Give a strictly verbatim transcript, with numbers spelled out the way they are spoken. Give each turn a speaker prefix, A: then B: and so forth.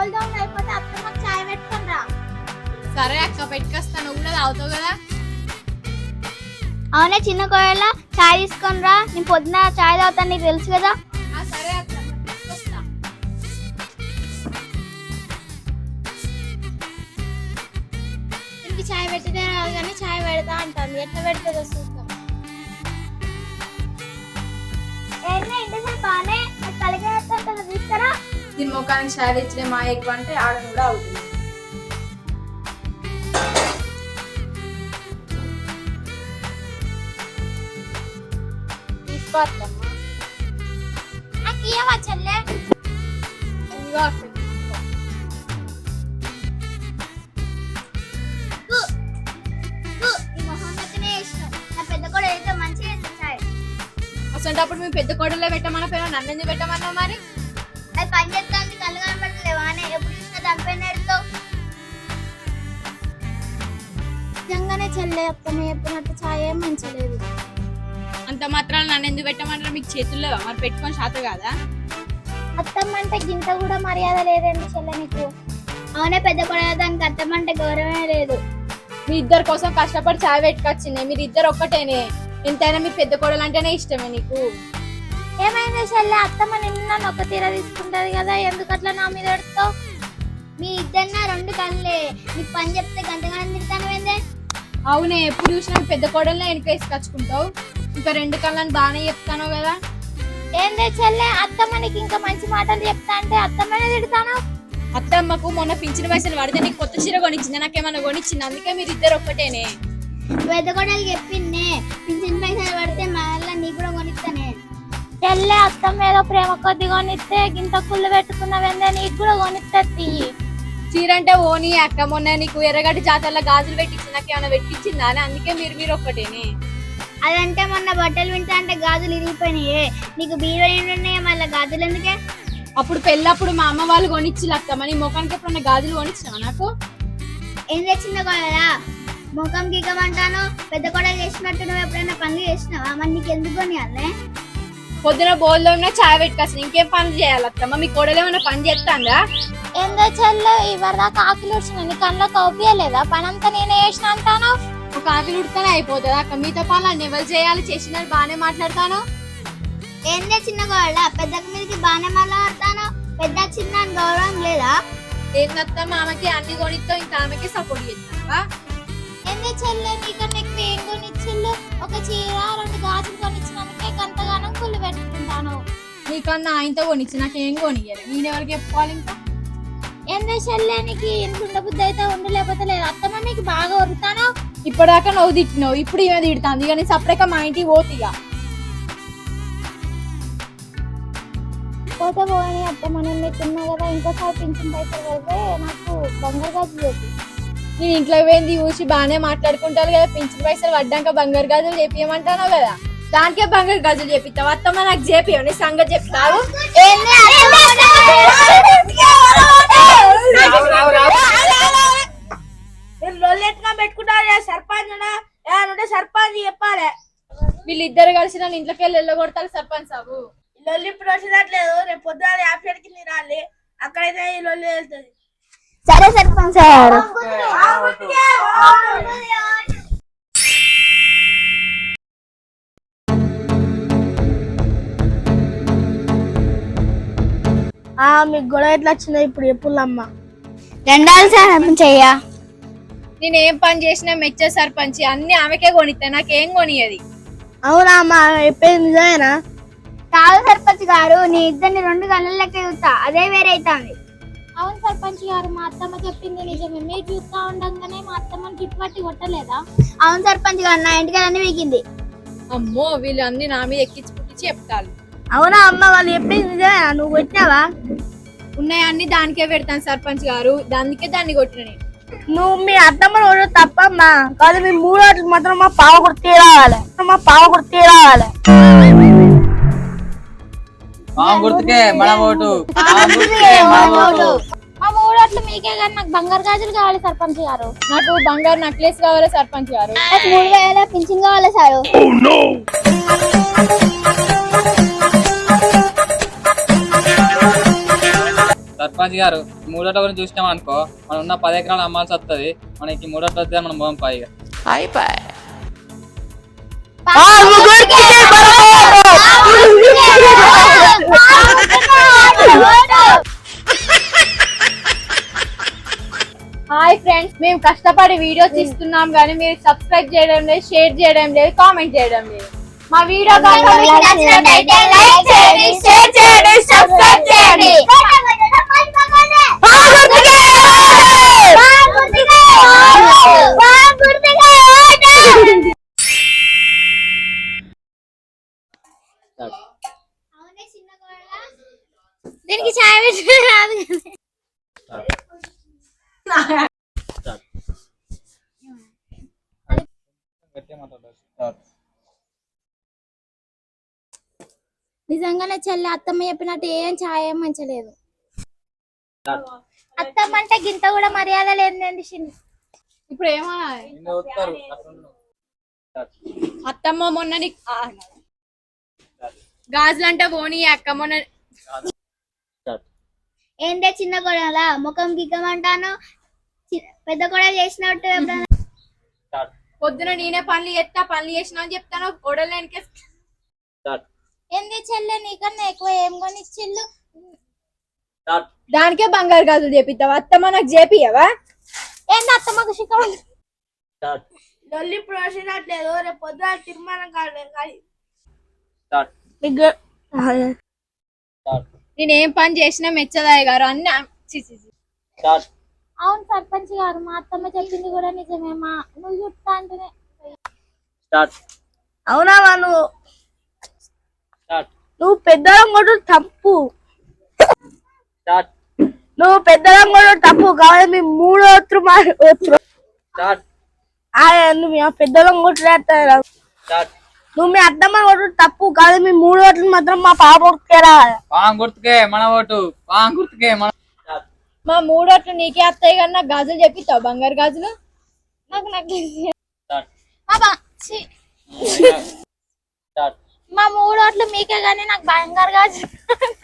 A: బోల్దాం అయిపోతే అత్తమ్మకి చాయ్ పెట్టుకొని రా.
B: సరే అక్క పెట్టుకొస్తా, నువ్వు కూడా తాగుతావు కదా.
A: అవునే చిన్న కోడల చాయ్ తీసుకొని రా, నేను పొద్దున చాయ్ తాగుతాను నీకు తెలుసు కదా.
B: సరే అక్క పెట్టుకొస్తా.
A: ఇంటికి చాయ్ పెట్టితే రాదు కానీ చాయ్ పెడతా అంటాను, ఎట్లా పెడుతుందో చూద్దాం. బాగానే కలిగేస్తా తీసుకురా.
B: దీని ముఖానికి చాయ్ తెచ్చిన మా ఎక్కువ అంటే ఆడ కూడా అవుతుంది. తీసుకోవద్దమ్మా,
A: నాకు ఇవ్వవా చెల్లె?
B: ఇదిగో అక్క. అసలు మీ పెద్ద కోడలే పెట్టమన్నా పేరు నన్ను ఎందుకు పెట్టమన్నా? మరి
A: అది పని చేస్తాను, కళ్ళు కనపడలేవా అని ఎప్పుడు చూసినా దానిపైన ఎడుతావు. నిజంగానే చెల్లె అత్తమ్మ చెప్పినట్టు ఛాయ్ ఏం మంచలేదు.
B: అంత మాత్రాలు నన్ను ఎందుకు పెట్టమంటారా? మీకు చేతుల్లో మరి పెట్టుకొని శాత కాదా?
A: అత్తమ్మ అంటే గింత కూడా మర్యాద లేదండి చెల్లె నీకు. అవునే పెద్ద కోడల దానికి అత్తమ్మ అంటే గౌరవమే లేదు.
B: మీ ఇద్దరు కోసం కష్టపడి చాయ్ పెట్టుకొచ్చింది, మీరు ఇద్దరు ఒక్కటేనే. ఎంతైనా మీ పెద్ద కోడలు అంటేనే ఇష్టమే నీకు.
A: ఏమైంది చెల్లె? అత్తమ్మ నిన్న ఒక తీర తీసుకుంటది కదా, ఎందుకు అట్లా నా మీద ఎడుతావు? మీ ఇద్దరిన రెండు కళ్ళే, నీకు పని చెప్తే గంటగానే తింటాను ఏందే?
B: అవునే, ఎప్పుడు చూసినా మీ పెద్ద కోడలనే వెనక వేసుకొచ్చుకుంటావు. ఇంకా రెండు కళ్ళని బాగానే చెప్తాను కదా.
A: ఏందే చెల్లె, అత్తమ్మ నీకు ఇంకా మంచి మాటలు చెప్తా అంటే అత్తమ్మనే తిడతాను.
B: అత్తమ్మకు మొన్న పింఛన్ పైసలు పడితే నీకు కొత్త చీర కొనిచ్చింది, నాకేమన్నా కొనిచ్చింది. అందుకే మీరు ఇద్దరు ఒక్కటేనే.
A: పెద్ద కోడలు చెప్పిందే పింఛన్ పైసలు పడితే మళ్ళీ నీకు కూడా కొనిస్తానే. చెల్లె అత్తమ్మ ఏదో ప్రేమ కొద్ది కొనిస్తే గింత కుళ్ళు పెట్టుకున్నావేందే, నీకు కూడా కొనిస్తుంది.
B: చీర అంటే ఓని అక్క, మొన్న నీకు ఎర్రగడ్డి జాతరలో గాజులు పెట్టించి నాకేమన్నా పెట్టించిందా అని. అందుకే మీరు మీరు ఒక్కటేనే.
A: అదంటే మొన్న బట్టలు వింటా అంటే గాజులు ఇరిగిపోయినాయి, నీకు బీరో ఉన్నాయి మళ్ళీ గాజులు ఎందుకే?
B: అప్పుడు పెళ్ళప్పుడు మా అమ్మ వాళ్ళు కొనిచ్చి అత్తమ్మ, నీ ముఖానికి ఎప్పుడన్నా గాజులు కొనిచ్చినావా నాకు?
A: ఏం తెచ్చిందో కదా ముఖం గీకమంటాను. పెద్ద కోడలు చేసినట్టు నువ్వు ఎప్పుడైనా పనులు చేసినావా? మరి నీకు ఎందుకు కొనియాలే?
B: పొద్దున బోల్లో ఉన్న చాయ్ పెట్టుకొచ్చిన, ఇంకేం పనులు చేయాలి అత్తమ్మ? మీ కోడలు ఏమైనా పని చేస్తాందా?
A: ఏందో చెల్లె ఇవరిదా కాకులు వచ్చిన నీ కళ్ళ కౌపియలేదా? పని అంతా నేనే చేసిన అంటాను.
B: ఒక ఆకులు ఉడితేనే అయిపోతుంది అక్క, మిగతా పనులు అన్ని ఎవరు చేయాలి? చేసినట్టు బాగానే మాట్లాడతాను.
A: ఏందే చిన్న కోడల పెద్దకి మీదకి బాగానే మాట్లాడతాను, పెద్ద చిన్న గౌరవం లేదా?
B: ఏందత్తమ్మ ఆమెకి అన్ని కొనిస్తావు, ఇంకా ఆమెకి సపోర్ట్ చేస్తావా?
A: ఏందే చెల్లె నీకన్నా ఎక్కువ ఏం కొనిచ్చిల్లు? ఒక చీర రెండు గాజులు కొనిచ్చినందుకే గంతగానం కుళ్ళు పెట్టుకుంటాను.
B: నీకన్నా ఆయనతో కొనిచ్చి నాకేం కొనియాలి, నేను ఎవరికి చెప్పుకోవాలి? ఇంకా
A: ఏందే చెల్లె నీకు ఎంత ఉండబుద్ధి అయితే ఉండు, లేకపోతే లేదు. అత్తమ్మ నీకు బాగా వరుతాను.
B: ఇప్పటిదాకా నువ్వు తిట్టినావు, ఇప్పుడు ఈమె తిడుతుంది. ఇక నేను సపరేట్గా మా ఇంటికి పోతిగా.
A: పోతే పోని అత్తమ్మ నేను తిన్నా కదా, ఇంకోసారి పింఛన్ పైసలు పెడితే నాకు బంగారు గాజులు చెప్పి.
B: నేను ఇంట్లో పోయింది చూసి బాగానే మాట్లాడుకుంటారు కదా, పింఛన్ పైసలు పడ్డాక బంగారు గాజులు చేపియమంటాను కదా, దానికే బంగారు గాజులు చేపిస్తావు. అత్తమ్మ నాకు చేపియవు, నీ సంగతి చెప్తావు.
C: పెట్టుకుంటా సర్పంచ్ ఏమంటే సర్పంచ్ చెప్పాలి.
B: వీళ్ళిద్దరు కలిసి నన్ను ఇంట్లోకి వెళ్ళి వెళ్ళగొడతారు సర్పంచ్ సాబు.
C: లొల్లి ఇప్పుడు వచ్చేటట్లేదు, రేపు పొద్దున యాప్షెడ్ కింద రాలి, అక్కడైతే ఈ లొల్లి వెళ్తుంది.
A: సరే సర్పంచ్ గారు.
C: మీకు గొడవ ఎట్లా వచ్చిందో ఇప్పుడు చెప్పులమ్మా.
A: రెండాలు సర్పంచ్ అయ్యా,
B: నేను ఏం పని చేసినా మెచ్చే సర్పంచ్, అన్ని ఆమెకే కొనిస్తా, నాకేం కొనియది.
C: అవునా అమ్మా, చెప్పేది నిజమేనా?
A: కాదు సర్పంచ్ గారు, నీ ఇద్దరిని రెండు గంటల లెక్క చూస్తా, అదే వేరే అవుతుంది. అవును సర్పంచ్ గారు, మా అత్తమ్మ చెప్పింది నిజమే. మీరు చూస్తా ఉండగానే మా అత్తమ్మని చుట్టుపట్టి కొట్టలేదా? అవును సర్పంచ్ గారు, నా ఇంటికి అన్ని వీకింది.
B: అమ్మో, వీళ్ళు అన్ని నా మీద ఎక్కించి పుట్టించి చెప్తారు.
C: అవునా అమ్మ, వాళ్ళు చెప్పింది నిజమేనా? నువ్వు కొట్టినావా?
B: ఉన్నాయన్ని దానికే పెడతాను సర్పంచ్ గారు, దానికే దాన్ని కొట్టిన నేను.
C: నువ్వు మీ అత్తమ్మని ఓడు తప్పమ్మా, కాదు మీ మూడు వాటికి మాత్రం మా పావ కుర్తీ రావాలి, మా పావ కుర్తీ రావాలి.
D: గుర్తుకే మన ఓటు.
A: మా మూడోట్లు మీకే కానీ నాకు బంగారు గాజులు కావాలి సర్పంచ్ గారు.
B: నాకు బంగారు నెక్లెస్ కావాలి సర్పంచ్ గారు.
A: నాకు మూడు వేల పింఛన్ కావాలి సారు.
D: సర్పంచ్ గారు మూడోట గురించి చూసినాం అనుకో మనం ఉన్న పది ఎకరాలు అమ్మాల్సి వస్తుంది. మనకి మూడోట వస్తే మనం పోం పైగా
C: అయిపోయి
B: హాయ్ ఫ్రెండ్స్, మేము కష్టపడి వీడియోస్ ఇస్తున్నాం కానీ మీరు సబ్స్క్రైబ్ చేయడం లేదు, షేర్ చేయడం లేదు, కామెంట్ చేయడం లేదు. మా వీడియో
A: నచ్చినట్లయితే లైక్ చేయండి, షేర్ చేయండి, సబ్స్క్రైబ్ చేయండి. దీనికి ఛాయ్ పెట్టి రాదు కదా. నిజంగానే చెల్లి అత్తమ్మ చెప్పినట్టు ఏం ఛాయ్ ఏం మంచలేదు. అత్తమ్మ అంటే గింత కూడా మర్యాద లేదండి.
B: ఇప్పుడు ఏమన్నా అత్తమ్మ మొన్న నీకు గాజులంటే పోనీ అక్క మొన్న
A: ఏంటే చిన్న గొడవల ముఖం గిగ్గమంటాను, పెద్ద గొడవ చేసినట్టు ఎప్పుడైనా
B: పొద్దున నేనే పనులు చేస్తా పనులు చేసినా అని చెప్తాను. గొడవలు వెనకే
A: ఏంది చెల్లె నీకన్నా ఎక్కువ ఏం కొనిచ్చిల్లు?
B: దానికే బంగారు గాజులు చేపిస్తావా? అత్తమ్మ నాకు చేపియవా?
A: ఏంది అత్తమ్మకు శిఖరం
C: డొల్లి ప్రోసినట్లేదు. రేపు పొద్దున తీర్మానం కాదు.
B: నేనేం పని చేసినా మెచ్చదాయి గారు అన్ని చి, చి, చి.
A: అవును సర్పంచ్ గారు, మా అత్తమ్మ చెప్పింది కూడా నిజమే. మా నువ్వు చుట్టా అంటేనే
C: అవునా నువ్వు నువ్వు పెద్దలం కూడా తప్పు. నువ్వు పెద్దలం కూడా తప్పు కావాలి. మీ మూడో నువ్వు పెద్దలం కొట్టులేస్తారు. నువ్వు మీ అద్దమ్మ కొట్టు తప్పు కాదు. మీ మూడు ఓట్లు మాత్రం మా పాప కొట్టుకేరా.
D: పాం గుర్తుకే మన ఓటు, పాం గుర్తుకే మన.
B: మా మూడోట్లు నీకే అత్తయ్య గారు నాకు గాజులు చెప్పిస్తావు, బంగారు గాజులు.
A: నాకు నాకు మా మూడు ఓట్లు మీకే గానీ నాకు బంగారు గాజు